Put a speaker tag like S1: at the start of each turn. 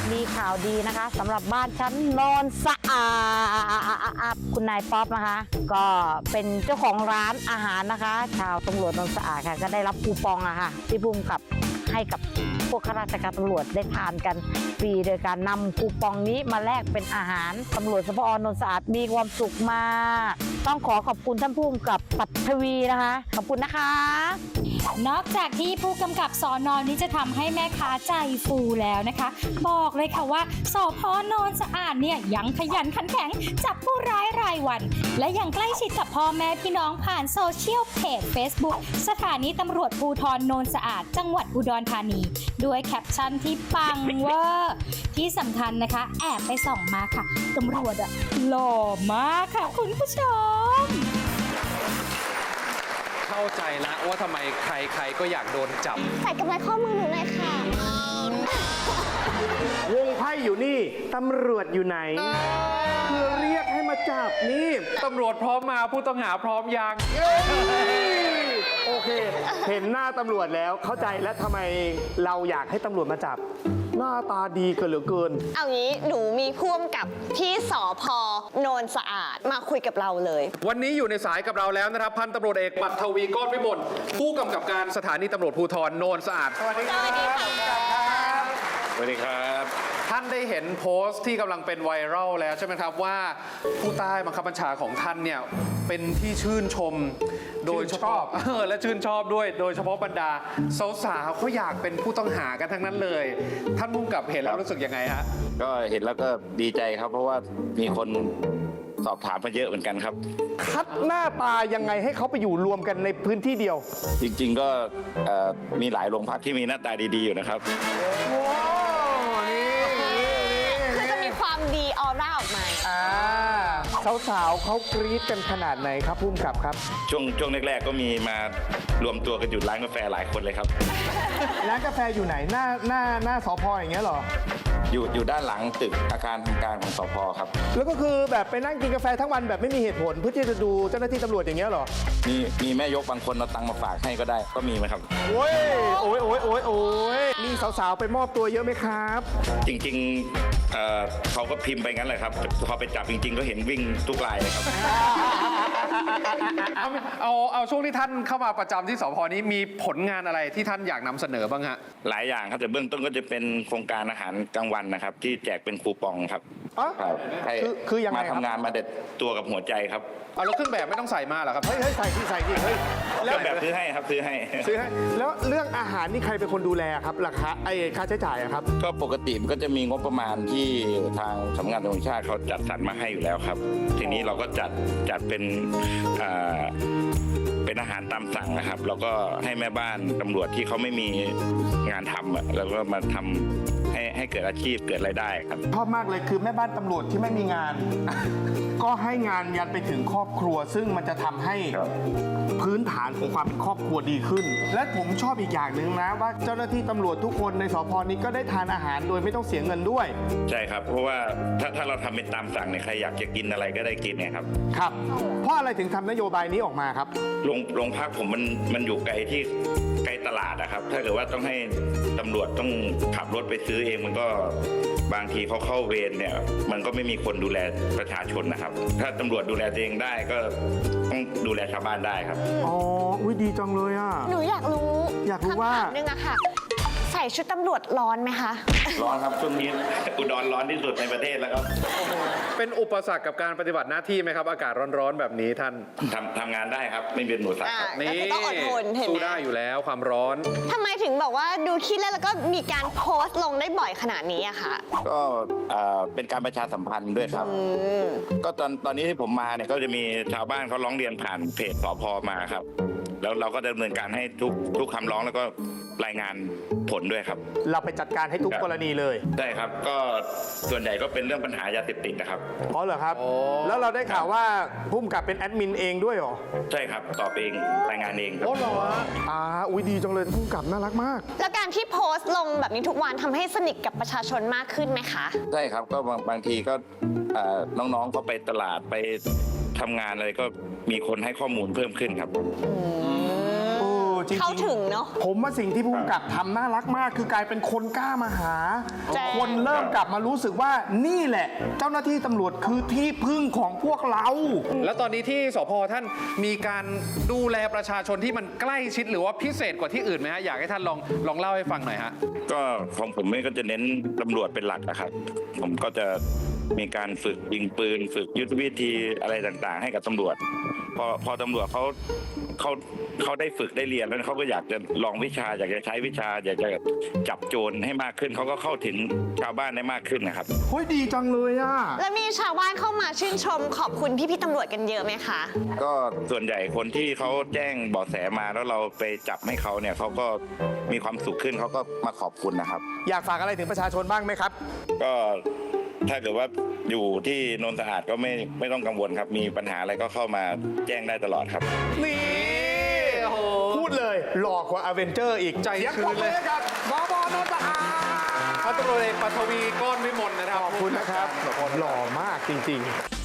S1: มีข่าวดีนะคะสำหรับบ้านชั้นโนนสะอาดคุณนายป๊อปนะคะ ก็เป็นเจ้าของร้านอาหารนะคะ ชาวตำรวจโนนสะอาดค่ะก็ได้รับคูปองอะค่ะที่ภูมิกับให้กับพวกข้าราชการตำรวจได้ทานกันฟรีโดยการนำคูปองนี้มาแลกเป็นอาหารตำรวจสพนนท์สะอาดมีความสุขมากต้องขอบคุณท่านผู้กำกับปัทวีนะคะขอบคุณนะคะ
S2: นอกจากที่ผู้กำกับสอนอนนี้จะทำให้แม่ค้าใจฟูแล้วนะคะ บอกเลยค่ะว่าสพนนท์สะอาดเนี่ยยังขยันขันแข็งจับผู้ร้ายรายวัน และยังใกล้ชิดกับพ่อแม่พี่น้องผ่านโซเชียลเพจ Facebook สถานีตำรวจภูธรโนนสะอาดจังหวัดอุดรธานีด้วยแคปชั่นที่ปังเวอร์ที่สำคัญนะคะแอบไปส่องมาค่ะตำรวจอะหล่อมากค่ะคุณผู้ชม
S3: เข้าใจแล้วว่าทำไมใครๆก็อยากโดนจับ
S4: ใส่กำไรข้อมือหนูหน่อยค่ะ
S5: วงไพ่อยู่นี่ ตำรวจอยู่ไหนคือเรียกให้มาจับนี่
S3: ตำรวจพร้อมมาผู้ต้องหาพร้อมยัง
S5: โอเค เห็นหน้าตำรวจแล้วเข้าใจแล้วทำไมเราอยากให้ตำรวจมาจับ หน้าตาดีเกินเหลือเกิน
S4: เอางี้หนูมีพ่วงกับที่สพโนนสะอาดมาคุยกับเราเลย
S3: วันนี้อยู่ในสายกับเราแล้วนะครับ พันตำรวจเอกปัทวีก้อนวิมลผู้กำกับการสถานีตำรวจภูธรโนนสะอาด
S5: สวัสดีครับ
S4: สวัสดีค่ะ
S3: สวัสดีครับ ท่านได้เห็นโพสต์ที่กำลังเป็นไวรัลแล้วใช่ไหมครับว่าผู้ใต้บังคับบัญชาของท่านเนี่ยเป็นที่ชื่นชมโดยเฉพาะและชื่นชอบด้วยโดยเฉพาะบรรดาสาวๆเขาอยากเป็นผู้ต้องหากันทั้งนั้นเลย ท่านผู้กำกับเห็นแล้วรู้สึกยังไงฮะ
S6: ก็เห็นแล้วก็ดีใจครับ เพราะว่ามีคนสอบถามมาเยอะเหมือนกันครับ
S5: คัดหน้าตายังไงให้เขาไปอยู่รวมกันในพื้นที่เดียว
S6: จริงๆก็มีหลายโรงพักที่มีหน้าตาดีๆอยู่นะครับ
S5: ว้าวนี่
S4: คือจะมีความดีออร่าออกมา
S5: สาวๆเขากรี๊ดกันขนาดไหนครับพุ่มกับครับ
S6: ช่วงแรกๆก็มีมารวมตัวกันอยู่ร้านกาแฟหลายคนเลยครับ
S5: ร้านกาแฟอยู่ไหนหน้าสพอย่างเงี้ยเหรอ
S6: อยู่ด้านหลังตึกอาคารทำการของสพครับ
S5: แล้วก็คือแบบไปนั่งกินกาแฟทั้งวันแบบไม่มีเหตุผลเพื่อที่จะดูเจ้าหน้าที่ตำรวจอย่างเงี้ยเหรอ
S6: มีแม่ยกบางคนเอาตังค์มาฝากให้ก็ได้ก็มีไหมครับ
S5: โอ้ยมีสาวๆไปมอบตัวเยอะไหมครับ
S6: จริงๆเขาก็พิมพ์ไปงั้นแหละครับพอไปจับจริงๆก็เห็นวิ่งทุกรายเลยครับ
S3: เอาช่วงที่ท่านเข้ามาประจำที่สพนี้มีผลงานอะไรที่ท่านอยากนำเสนอบ้างฮะ
S6: หลายอย่างครับแต่เบื้องต้นก็จะเป็นโครงการอาหารกลางวันนะครับ ที่แจกเป็นคูปองครับ
S5: อ๋อ
S6: ครับให้
S5: คือยังไง
S6: มา
S5: ครับ
S6: ทำงานมาเด็ดตัวกับหัวใจครับ
S3: เอาแล้วเครื่องแบบไม่ต้องใส่มาเหรอครับ
S5: เฮ้ยใส่ที่เฮ้ย
S6: เครื่องแบบซื้อให้ครับซื้อให้
S5: ซื้อให้แล้วเรื่องอาหารนี่ใครเป็นคนดูแลครับราคาค่าใช้จ่ายอะครับ
S6: ก็ปกติมันก็จะมีงบประมาณที่ทางสำนักงานตำรวจแห่งชาติเขาจัดสรรมาให้อยู่แล้วครับ ทีนี้เราก็จัดเป็นอาหารตามสั่งนะครับ แล้วก็ให้แม่บ้านตำรวจที่เขาไม่มีงานทำแล้วก็มาทำให้เกิดอาชีพเกิดรายได้ครับ
S5: ชอบมากเลยคือแม่บ้านตำรวจที่ไม่มีงาน ก็ให้งานยันไปถึงครอบครัว ซึ่งมันจะทำให้
S6: ครับ
S5: พื้นฐานของความเป็นครอบครัวดีขึ้น และผมชอบอีกอย่างหนึ่งนะว่าเจ้าหน้าที่ตำรวจทุกคนในสพนี้ก็ได้ทานอาหารโดยไม่ต้องเสียเงินด้วย
S6: ใช่ครับ เพราะว่าถ้าเราทำเป็นตามสั่งเนี่ยใครอยากจะกินอะไรก็ได้กินเนี่ยครับ
S5: ครับ เพราะอะไรถึงทำนโยบายนี้ออกมาครับ
S6: โรงพักผมมันอยู่ไกลที่ไกลตลาดนะครับ ถ้าเกิดว่าต้องให้ตำรวจต้องขับรถไปซื้อเองมันก็บางทีเขาเข้าเวรเนี่ยมันก็ไม่มีคนดูแลประชาชนนะครับ ถ้าตำรวจดูแลตัวเองได้ก็ต้องดูแลชาวบ้านได้ครับ
S5: อ๋อ อุ้ยดีจังเลยอ่ะ
S4: หนูอยากรู้
S5: อยากรู้ว่า
S4: คำถามนึงอะค่ะ ใส่ชุดตำรวจร้อนไหมคะ
S6: ร้อนครับช่วงนี้ อุดรร้อนที่สุดในประเทศแล้วครับ
S3: เป็นอุปสรรคกับการปฏิบัติหน้าที่ไหมครับ อากาศร้อนๆแบบนี้ท่าน
S6: ทำงานได้ครับ ไม่เป็นหนูสัตว์ครับ
S4: ก็คือต้องอดทนเห็นไหม
S3: สู้ได้อยู่แล้วความร้อน
S4: ทำไมถึงบอกว่าดูขี้เล่นแล้วก็มีการโพสต์ลงได้บ่อยขนาดนี้อะคะ
S6: ก็เป็นการประชาสัมพันธ์ด้วยครับ ก็ตอนนี้ที่ผมมาเนี่ยก็จะมีชาวบ้านเขาร้องเรียนผ่านเพจสพมาครับ แล้วเราก็ดำเนินการให้ทุกคำร้องแล้วก็รายงานผลด้วยครับ
S5: เราไปจัดการให้ทุกกรณีเลย
S6: ได้ครับ ก็ส่วนใหญ่ก็เป็นเรื่องปัญหายาเสพติดนะครับ
S5: อ๋อเหรอครับ แล้วเราได้ข่าวว่าพุ่มกับเป็นแอดมินเองด้วยเหรอ
S6: ใช่ครับตอบเองรายงานเองครับ
S5: อ๋อเหรออุ้ยดีจังเลยพุ่มกับน่ารักมาก
S4: แล้วการที่โพสต์ลงแบบนี้ทุกวันทำให้สนิทกับประชาชนมากขึ้นไหมคะ
S6: ใช่ครับก็บางทีก็น้องๆเขาไปตลาดไปทำงานอะไรก็มีคนให้ข้อมูลเพิ่มขึ้นครับ
S5: โอ้จริงๆ
S4: เข้าถึงเนอะ
S5: ผมว่าสิ่งที่ผู้กำกับทำน่ารักมาก คือกลายเป็นคนกล้ามาหา
S4: แจ้ง
S5: คนเริ่มกลับมารู้สึกว่านี่แหละ เจ้าหน้าที่ตำรวจคือที่พึ่งของพวกเรา
S3: แล้วตอนนี้ที่สพท่านมีการดูแลประชาชนที่มันใกล้ชิดหรือว่าพิเศษกว่าที่อื่นไหมฮะอยากให้ท่านลองเล่าให้ฟังหน่อยฮะ
S6: ก็ของผมก็จะเน้นตำรวจเป็นหลักนะครับ ผมก็จะมีการฝึกยิงปืน ฝึกยุทธวิธีอะไรต่างๆ ให้กับตำรวจ พอตำรวจเขาได้ฝึกได้เรียนแล้วเขาก็อยากจะลองวิชาอยากจะใช้วิชาอยากจะจับโจรให้มากขึ้นเขาก็เข้าถึงชาวบ้านได้มากขึ้นนะครับ
S5: เฮ้ยดีจังเลยอ่ะ
S4: แล้วมีชาวบ้านเข้ามาชื่นชมขอบคุณพี่ๆตำรวจกันเยอะไหมคะ
S6: ก็ส่วนใหญ่คนที่เขาแจ้งเบาะแสมาแล้วเราไปจับให้เขาเนี่ยเขาก็มีความสุขขึ้นเขาก็มาขอบคุณนะครับ
S5: อยากฝากอะไรถึงประชาชนบ้างไหมครับ
S6: ก็ถ้าเกิดว่าอยู่ที่โนนสะอาดก็ไม่ต้องกังวลครับ มีปัญหาอะไรก็เข้ามาแจ้งได้ตลอดครับ
S5: นี่พูดเลยหลอกกว่าอเวนเจอร์อีก
S3: ใจ
S5: เสียง
S3: ชื้
S5: ปรบ
S3: น
S5: มื
S3: เลย
S5: อให้กับสบนนทอา
S3: พันตำรวจเอกปัทวีก้อนวิมลนะครับ
S5: ขอบคุณนะครับหล่อมากจริง ๆ